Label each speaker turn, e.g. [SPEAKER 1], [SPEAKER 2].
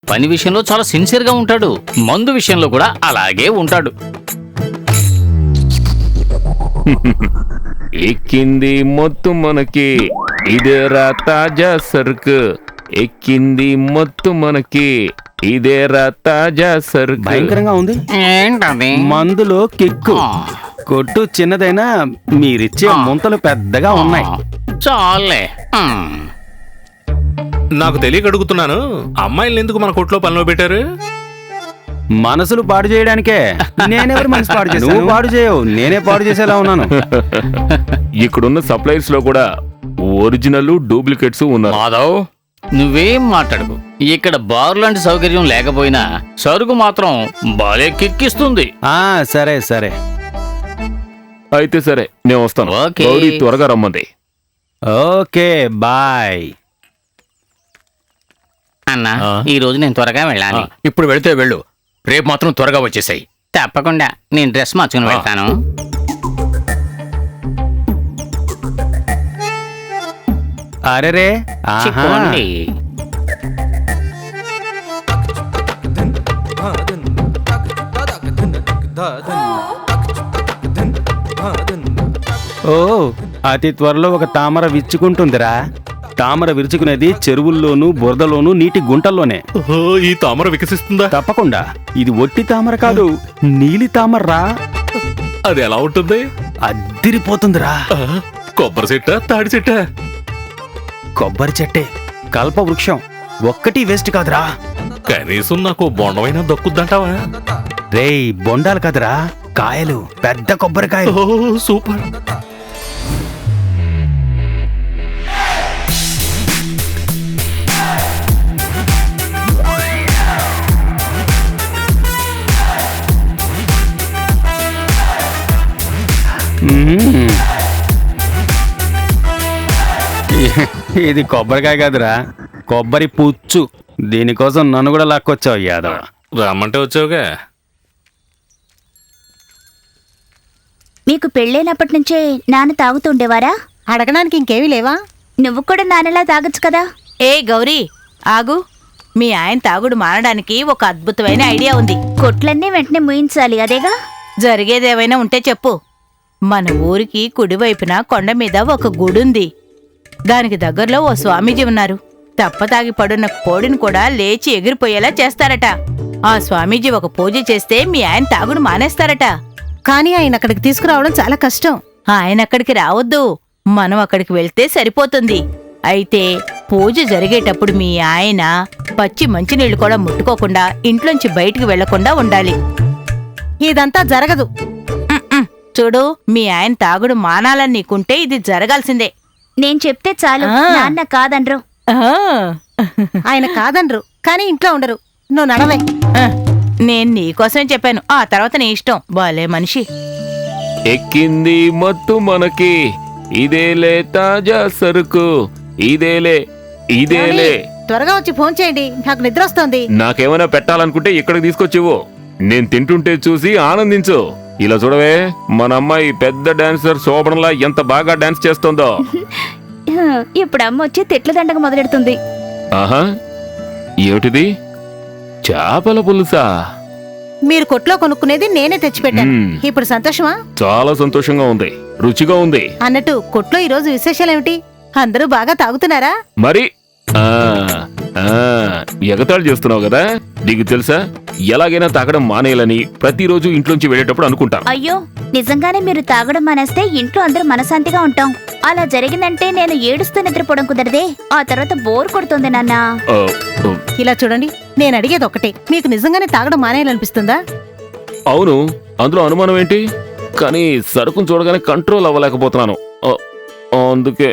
[SPEAKER 1] పని విషయంలో చాలా సిన్సియర్ గా ఉంటాడు. మందు విషయంలో కూడా అలాగే ఉంటాడు.
[SPEAKER 2] ఎక్కింది మొత్తం మనకి, ఇదేరా తాజా సరుకు. ఎక్కింది మొత్తం మనకి, ఇదేరా తాజా సరుకు.
[SPEAKER 3] భయంకరంగా ఉంది.
[SPEAKER 1] ఏంటది?
[SPEAKER 3] మందులో కిక్కు. కొట్టు చిన్నదైనా మీరిచ్చే ముంతలు పెద్దగా ఉన్నాయి.
[SPEAKER 1] చాలే.
[SPEAKER 4] నాకు తెలియక అడుగుతున్నాను, అమ్మాయిల్ని ఎందుకు మన కొట్లో పనిలో పెట్టారు?
[SPEAKER 3] మనసులు పాడు చేయడానికే. నేనెవరు మనసు పాడు చేశాను? నువ్వు పాడు చేయవు, నేనే పాడు చేసేలా ఉన్నాను.
[SPEAKER 2] ఇక్కడున్న సప్లైర్స్ లో కూడా ఒరిజినల్ డూప్లికేట్స్ ఉన్నారు.
[SPEAKER 1] మాధవ్, నువ్వేం మాట్లాడకు. ఇక్కడ బార్ లాంటి సౌకర్యం లేకపోయినా సరుకు మాత్రం బాలే కిక్కిస్తుంది.
[SPEAKER 3] సరే సరే.
[SPEAKER 2] అయితే సరే, నేను వస్తాను.
[SPEAKER 1] ఓకే.
[SPEAKER 2] గౌరీ త్వరగా రమ్మంది.
[SPEAKER 3] Okay bye.
[SPEAKER 1] అన్నా, ఈ రోజు నేను త్వరగా వెళ్ళాలి.
[SPEAKER 5] ఇప్పుడు వెళితే వెళ్ళు, రేపు మాత్రం త్వరగా వచ్చేసాయి.
[SPEAKER 1] తప్పకుండా. నేను డ్రెస్ మార్చుకుని వెళ్తాను.
[SPEAKER 3] అరెరే, ఆహా.
[SPEAKER 1] చిక్కోండి.
[SPEAKER 3] ఓ, అతి త్వరలో ఒక తామర విచ్చుకుంటుందిరా. తామర విరుచుకునేది చెరువుల్లోనూ బురదలోనూ నీటి గుంటల్లోనే.
[SPEAKER 4] ఓహో, ఈ తామర వికసిస్తుందా?
[SPEAKER 3] తప్పకుండా. ఇది ఒట్టి తామర కాదు, నీలి తామర్రా.
[SPEAKER 4] అది ఎలా ఉంటుంది?
[SPEAKER 3] అద్దిరిపోతుందిరా.
[SPEAKER 4] కొబ్బరి చెట్టా, తాడి చెట్టా?
[SPEAKER 3] కొబ్బరి చెట్టే, కల్ప వృక్షం. ఒక్కటి వేస్ట్ కాదురా.
[SPEAKER 4] కనీసం నాకు బొండమైనా దక్కుద్దంటావా?
[SPEAKER 3] రేయ్, బొండాలు కాదురా, కాయలు, పెద్ద కొబ్బరికాయలు.
[SPEAKER 4] ఓ సూపర్.
[SPEAKER 3] మ్మ్. ఇది కొబ్బరికాయ కాదురా, కొబ్బరి పుచ్చు. దీనికోసం నన్ను కూడా లాక్కొచ్చావు యాదవ.
[SPEAKER 4] రమ్మంటే వచ్చావుగా.
[SPEAKER 6] మీకు పెళ్ళైనప్పటి నుంచే నాన్న తాగుతుండేవారా?
[SPEAKER 7] అడగడానికి ఇంకేమీ లేవా?
[SPEAKER 6] నువ్వు కూడా నాన్నలా తాగొచ్చు కదా.
[SPEAKER 7] ఏ గౌరీ, ఆగు. మీ ఆయన తాగుడు మానడానికి ఒక అద్భుతమైన ఐడియా ఉంది.
[SPEAKER 6] కొట్లన్నీ వెంటనే ముయించాలి, అదేగా?
[SPEAKER 7] జరిగేదేవైనా ఉంటే చెప్పు. మన ఊరికి కుడివైపున కొండ మీద ఒక గుడుంది. దానికి దగ్గరలో ఓ స్వామీజీ ఉన్నారు. తప్పతాగి పడున్న కోడిని కూడా లేచి ఎగిరిపోయేలా చేస్తారట. ఆ స్వామీజీ ఒక పూజ చేస్తే మీ ఆయన తాగుడు మానేస్తారట.
[SPEAKER 8] కానీ ఆయన అక్కడికి తీసుకురావడం చాలా కష్టం.
[SPEAKER 7] ఆయన అక్కడికి రావద్దు, మనం అక్కడికి వెళ్తే సరిపోతుంది. అయితే పూజ జరిగేటప్పుడు మీ ఆయన పచ్చి మంచినీళ్లు కూడా ముట్టుకోకుండా ఇంట్లోంచి బయటికి వెళ్లకుండా ఉండాలి.
[SPEAKER 8] ఇదంతా జరగదు.
[SPEAKER 7] ఉమ్మ్. చూడు, మీ ఆయన తాగుడు మానాలని నీకుంటే ఇది జరగాల్సిందే.
[SPEAKER 6] నేను చెప్తే చాలు,
[SPEAKER 7] ఆ.
[SPEAKER 6] నాన్న కాదనరు.
[SPEAKER 7] ఆ.
[SPEAKER 8] ఆయన కాదనరు, కానీ ఇంట్లో ఉండరు. నువ్వు నడవే.
[SPEAKER 7] ఆ, నేను నీకోసమే చెప్పాను, ఆ తర్వాత నీ ఇష్టం. బాలే మనిషి.
[SPEAKER 2] ఎక్కింది మొత్తం మనకి, ఇదేలే తాజా సరుకు. ఇదేలే, ఇదేలే.
[SPEAKER 8] త్వరగా వచ్చి ఫోన్ చేయండి, నాకు నిద్ర వస్తోంది.
[SPEAKER 2] నాకేమైనా పెట్టాలనుకుంటే ఇక్కడికి తీసుకొచ్చివు. నేను తింటుంటే చూసి ఆనందించు. ఇలా చూడవే, మన అమ్మాయి పెద్ద డాన్సర్ శోభనలా ఎంత బాగా డాన్స్ చేస్తోందో.
[SPEAKER 6] ఇప్పుడు అమ్మ వచ్చి తిట్ల దండగ మొదలెడుతుంది.
[SPEAKER 2] ఆహా, ఏమిటిది? చేపల పులుసా?
[SPEAKER 8] మీరు కొట్లో కొనుక్కునేది నేనే తెచ్చిపెట్టాను.
[SPEAKER 2] మ్మ్.
[SPEAKER 8] ఇప్పుడు సంతోషమా?
[SPEAKER 2] చాలా సంతోషంగా ఉంది, రుచిగా ఉంది.
[SPEAKER 8] అన్నట్టు కొట్లో ఈరోజు విశేషాలేమిటి? అందరూ బాగా తాగుతున్నారా?
[SPEAKER 2] మరి ఆ ఆ ఎగతాళి చేస్తున్నావు కదా. నీకు తెలుసా, ఎలాగైనా తాగడం మానేయాలని ప్రతిరోజు ఇంట్లోంచి వెళ్ళేటప్పుడు అనుకుంటాను.
[SPEAKER 6] అయ్యో, నిజంగానే మీరు తాగడం మానేస్తే ఇంట్లో అందరూ మనశాంతిగా ఉంటాం. అలా జరిగిందంటే నేను ఏడుస్తూ నిద్రపోవడం కుదరదే. ఆ తర్వాత బోర్ కొడుతుంది నాన్న.
[SPEAKER 2] ఆ, ఆ,
[SPEAKER 8] ఇలా చూడండి, నేను అడిగేది ఒకటే, మీకు నిజంగానే తాగడం మానేయాలనిపిస్తుందా?
[SPEAKER 2] అవును, అందులో అనుమానం ఏంటి? కానీ సరుకును చూడగానే కంట్రోల్ అవ్వలేకపోతున్నాను. అందుకే